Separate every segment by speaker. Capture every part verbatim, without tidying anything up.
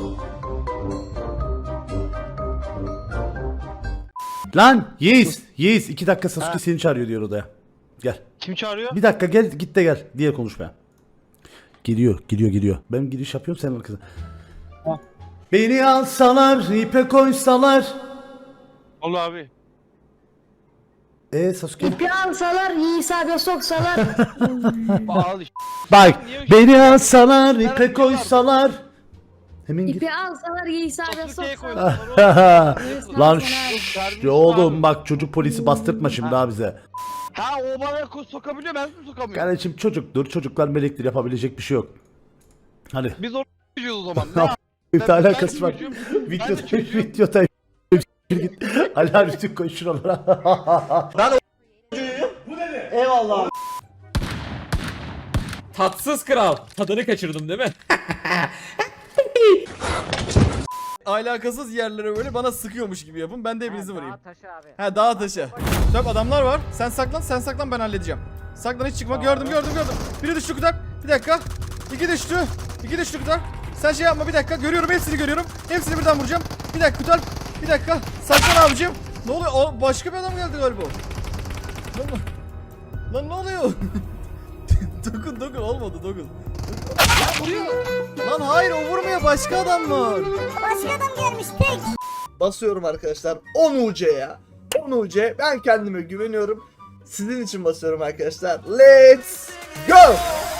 Speaker 1: Lan Yiğiz, Yiğiz iki dakika Sasuke seni çağırıyor diyor odaya. Gel.
Speaker 2: Kim çağırıyor?
Speaker 1: Bir dakika gel, git de gel diye konuşmaya. Gidiyor, gidiyor, gidiyor. Ben gidiş yapıyorum, sen arkasına. Beni alsalar, ipe koysalar.
Speaker 2: Ol abi.
Speaker 1: Eee Sasuke?
Speaker 3: İpi alsalar, Yiğis abi soksalar.
Speaker 2: Al işte.
Speaker 1: Bak, beni alsalar, ipe koysalar. Hemen git.
Speaker 3: İpi alsalar, Yiğis abi
Speaker 2: Sasuke'ye
Speaker 3: soksalar.
Speaker 2: koydular.
Speaker 1: Lan şşş oğlum bak çocuk polisi bastırtma şimdi daha bize.
Speaker 2: Ha o bana ko- sokabiliyor, ben mi sokamıyorum?
Speaker 1: Kardeşim çocuktur, çocuklar melektir, yapabilecek bir şey yok. Hadi.
Speaker 2: Biz oraya gidiyoruz o zaman. Ne yap-
Speaker 1: Bir
Speaker 2: Ben-
Speaker 1: tane
Speaker 2: ben
Speaker 1: alakası
Speaker 2: de
Speaker 1: var.
Speaker 2: çocuğum.
Speaker 1: Video,
Speaker 2: Ben de çocuğum.
Speaker 1: videoda git. Ali abi tüm koy şuralara.
Speaker 4: Tatsız kral. Tadını kaçırdım değil mi?
Speaker 5: Alakasız yerlere böyle bana sıkıyormuş gibi yapın. Ben de hepinizi vurayım.
Speaker 3: Taşı abi.
Speaker 5: He dağa taşı. Dört adamlar var. Sen saklan, sen saklan, ben halledeceğim. Saklan, hiç çıkma. Gördüm, gördüm, gördüm. Biri düştü Kutak. Bir dakika. İki düştü. İki düştü Kutak. Sen şey yapma, bir dakika. Görüyorum, hepsini görüyorum. Hepsini birden vuracağım. Bir dakika Kutak. Bir dakika. Saklan abicim. Ne oluyor? O başka bir adam geldi galiba. Lan, lan ne oluyor? dokun dokun olmadı dokun. Lan hayır, o vurmuyor, başka adam var.
Speaker 6: Başka adam gelmiş tek.
Speaker 7: Basıyorum arkadaşlar on U C'ye. on U C. Ben kendime güveniyorum. Sizin için basıyorum arkadaşlar. Let's go.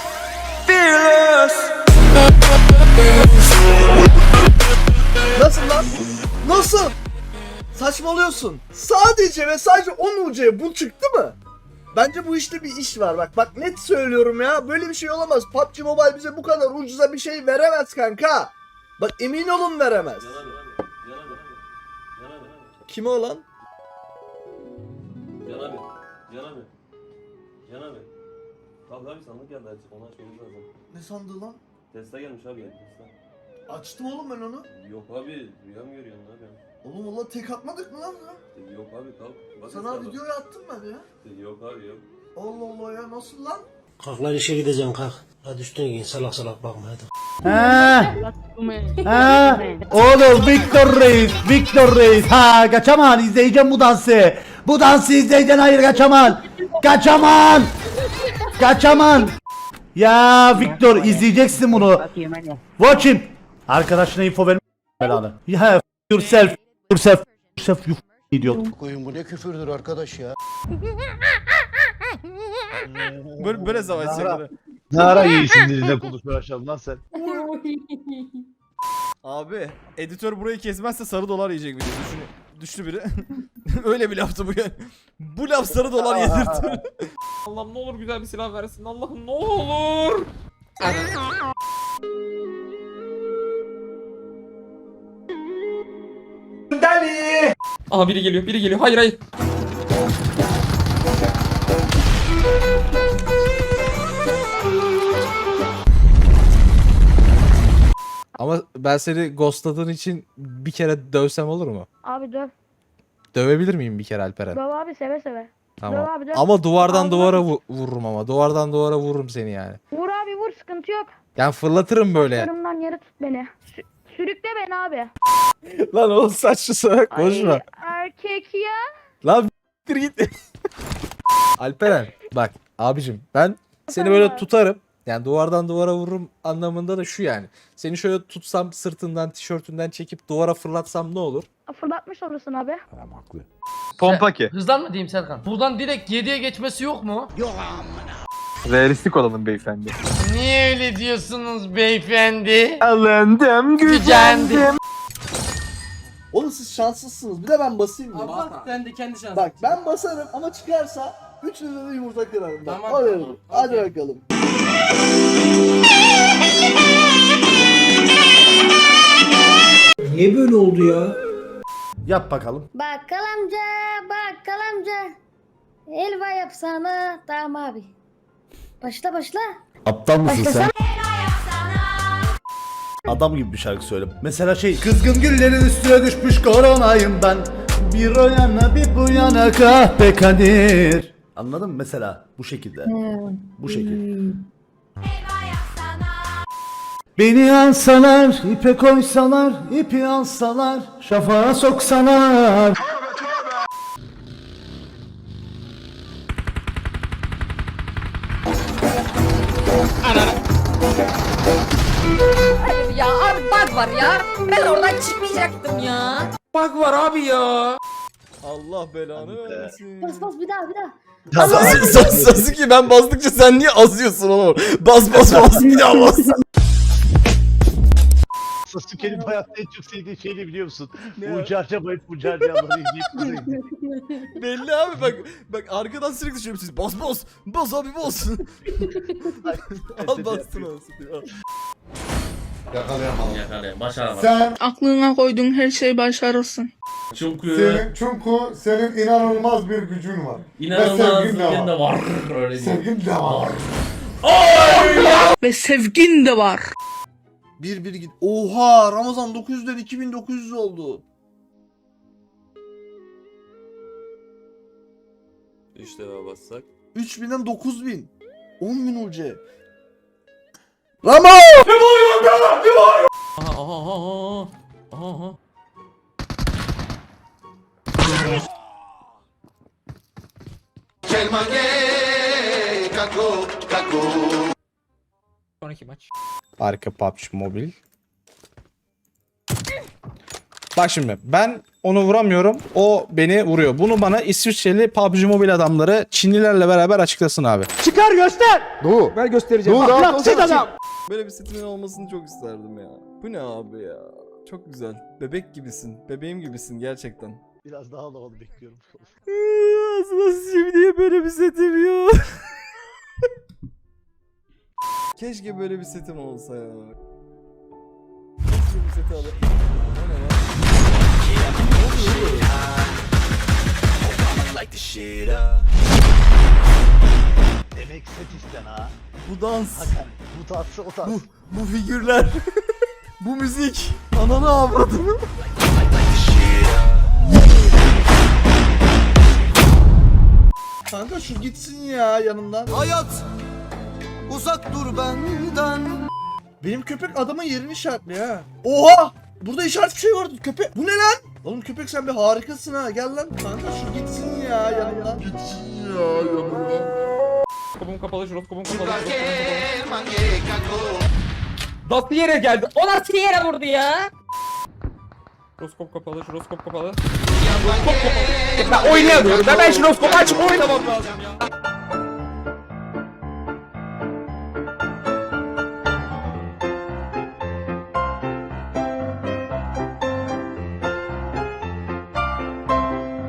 Speaker 7: Nasıl lan? Nasıl? Saçmalıyorsun. Sadece ve sadece on U C bu çıktı mı? Bence bu işte bir iş var. Bak bak net söylüyorum ya. Böyle bir şey olamaz. P U B G Mobile bize bu kadar ucuza bir şey veremez kanka. Bak emin olun veremez. Kime o lan?
Speaker 8: Can abi, Can abi, Can abi. Abi abi sandık geldi açık, onu açmamız lazım.
Speaker 7: Ne sandığı lan?
Speaker 8: Tesla gelmiş abi, Tesla.
Speaker 7: Açtım oğlum ben onu.
Speaker 8: Yok abi, rüya mı görüyorsun abi?
Speaker 7: Oğlum valla tek atmadık mı lan ya?
Speaker 8: Yok abi, kalk. Bak
Speaker 7: Sana
Speaker 8: hesaba.
Speaker 7: videoyu attım ben ya.
Speaker 8: Yok abi, yok.
Speaker 7: Allah Allah ya, nasıl lan?
Speaker 9: Kalk lan işe gideceğim kalk. Hadi üstüne giyin salak salak bakma hadi.
Speaker 1: Ha. Ha. Oğlum Victor Reis, Victor Reis. Ha kaçaman izleyeceğim bu dansı. Bu dansı izleyeceksin, hayır kaçaman. Kaçaman. Kaçaman. Ya Victor izleyeceksin bunu. Watch him. Arkadaşına info verme belanı. Ya yourself, yourself, yourself you idiot.
Speaker 9: Koyun bu ne küfürdür arkadaş ya.
Speaker 5: Böyle böyle savaş şeyleri.
Speaker 10: Ne ara iyisin dilinde konuşmaya başladın lan sen?
Speaker 5: Abi editör burayı kesmezse sarı dolar yiyecek video. Düşün, düştü biri. Öyle bir laftı bu yani. Bu laf sarı dolar yedirtir.
Speaker 4: Allah'ım ne olur güzel bir silah versin. Allah'ım ne olur.
Speaker 7: Deli.
Speaker 4: Aha biri geliyor, biri geliyor. Hayır hayır.
Speaker 11: Ama ben seni ghostladığın için bir kere dövsem olur mu?
Speaker 3: Abi döv.
Speaker 11: Dövebilir miyim bir kere Alperen?
Speaker 3: Döv abi seve seve.
Speaker 11: Tamam.
Speaker 3: Döv abi döv.
Speaker 11: Ama duvardan
Speaker 3: Allah.
Speaker 11: duvara vu- vururum ama. Duvardan duvara vururum seni yani.
Speaker 3: Vur abi vur, sıkıntı yok.
Speaker 11: Yani fırlatırım böyle.
Speaker 3: Yarımdan yere tut beni. Sü- sürükle beni abi.
Speaker 11: Lan oğlum saçlı salak konuşma.
Speaker 3: Ay, erkek ya.
Speaker 11: Lan bir git. Alperen bak abicim ben seni böyle tutarım. Yani duvardan duvara vururum anlamında da şu yani. Seni şöyle tutsam sırtından tişörtünden çekip duvara fırlatsam ne olur?
Speaker 3: Fırlatmış olursun abi.
Speaker 2: Pompa ki.
Speaker 4: Hızlan mı diyeyim Serkan? Buradan direkt yediye geçmesi yok mu?
Speaker 2: Realistik olalım beyefendi.
Speaker 4: Niye öyle diyorsunuz beyefendi?
Speaker 2: Alındım,
Speaker 4: Gücendim.
Speaker 7: Oğlum siz şanslısınız. Bir de ben basayım mı?
Speaker 4: Bak sen de kendi şansın.
Speaker 7: Bak ben basarım ama çıkarsa üçünüze de yumurta kırarım. Bak,
Speaker 4: Tamam,
Speaker 7: hadi,
Speaker 4: tamam,
Speaker 7: hadi
Speaker 4: okey.
Speaker 7: bakalım.
Speaker 9: Niye böyle oldu ya?
Speaker 1: Yap bakalım.
Speaker 3: Bakkal amca, bakkal amca. Helva yapsana. Tamam abi. Başla başla.
Speaker 1: Aptal mısın sen? Adam gibi bir şarkı söyle. Mesela şey, kızgın güllerin üstüne düşmüş koronayım ben. Bir o yana bir bu yana kahpe kadir. Anladın mı mesela? Bu şekilde. Bu şekilde. Beni alsalar, ipe koysalar, ipi alsalar, şafağa soksalar.
Speaker 6: Ya abi bug var ya. Ben oradan çıkmayacaktım ya.
Speaker 4: Bug var abi ya.
Speaker 5: Allah belanı versin.
Speaker 3: Bas bas bir daha bir daha.
Speaker 11: Sasuke ben bastıkça sen niye azıyorsun oğlum? Bas bas bas bir daha bas.
Speaker 10: Sasuke'nin bu hayatta en çok sevdiği şey ne biliyor musun?
Speaker 5: Ne?
Speaker 10: Ucu harcamayıp ucu harcayanları izleyip izleyip.
Speaker 5: Belli abi bak bak arkadan sürekli düşüyorum siz bas bas bas abi bas. Al bastın olsun.
Speaker 8: Yakalayın. Başaramadım.
Speaker 12: Sen,
Speaker 3: Aklına koyduğun her şey başarırsın.
Speaker 8: Çünkü
Speaker 12: senin, çünkü senin inanılmaz bir gücün var.
Speaker 8: inanılmaz
Speaker 12: Ve sevgin de
Speaker 8: sevgin de
Speaker 12: var.
Speaker 8: var. Öyle değil.
Speaker 12: Sevgin de var.
Speaker 3: Ve sevgin de var.
Speaker 7: Bir bir git. Oha Ramazan dokuz yüzden iki bin dokuz yüz oldu.
Speaker 8: İşte daha bassak.
Speaker 7: üç binden dokuz bin. on bin ucu. Ramo!
Speaker 4: Aha aha aha aha. Aha. Sonraki maç.
Speaker 11: Arka P U B G Mobile. Bak şimdi ben onu vuramıyorum. O beni vuruyor. Bunu bana İsviçreli P U B G Mobile adamları Çinlilerle beraber açıklasın abi.
Speaker 1: Çıkar göster.
Speaker 5: Dur. Ben göstereceğim.
Speaker 1: Dur, ahlaksız adam.
Speaker 5: Böyle bir setimin olmasını çok isterdim ya. Bu ne abi ya? Çok güzel. Bebek gibisin. Bebeğim gibisin gerçekten.
Speaker 10: Biraz daha havalı bekliyorum.
Speaker 5: Nasıl şimdiye böyle bir setim yok. Keşke böyle bir setim olsa ya. Keşke bir seti alayım. O ne lan?
Speaker 10: Demek set isten ha.
Speaker 5: Bu dans,
Speaker 10: Hakan bu tatsı o tatsı.
Speaker 5: bu, bu figürler, bu müzik, ananı avradını.
Speaker 7: Kanka şu gitsin ya yanımdan. Hayat uzak dur benden. Benim köpek adamın yerini işaretliyor ha. Oha! Burada işaret bir şey vardı köpek. Bu ne lan? Oğlum köpek sen bir harikasın ha. Gel lan kanka şu gitsin ya yanımdan. Gitsin ya yanımdan.
Speaker 4: Kapım kapalı, jiroskopum kapalı. jiroskopum kapalı. Nasıl yere geldi? O nasıl yere vurdu ya? Jiroskop kapalı, jiroskop kapalı. Jiroskop kapalı. Ben oynayamıyorum. Ben, ben jiroskopu açıp oynamam lazım ya.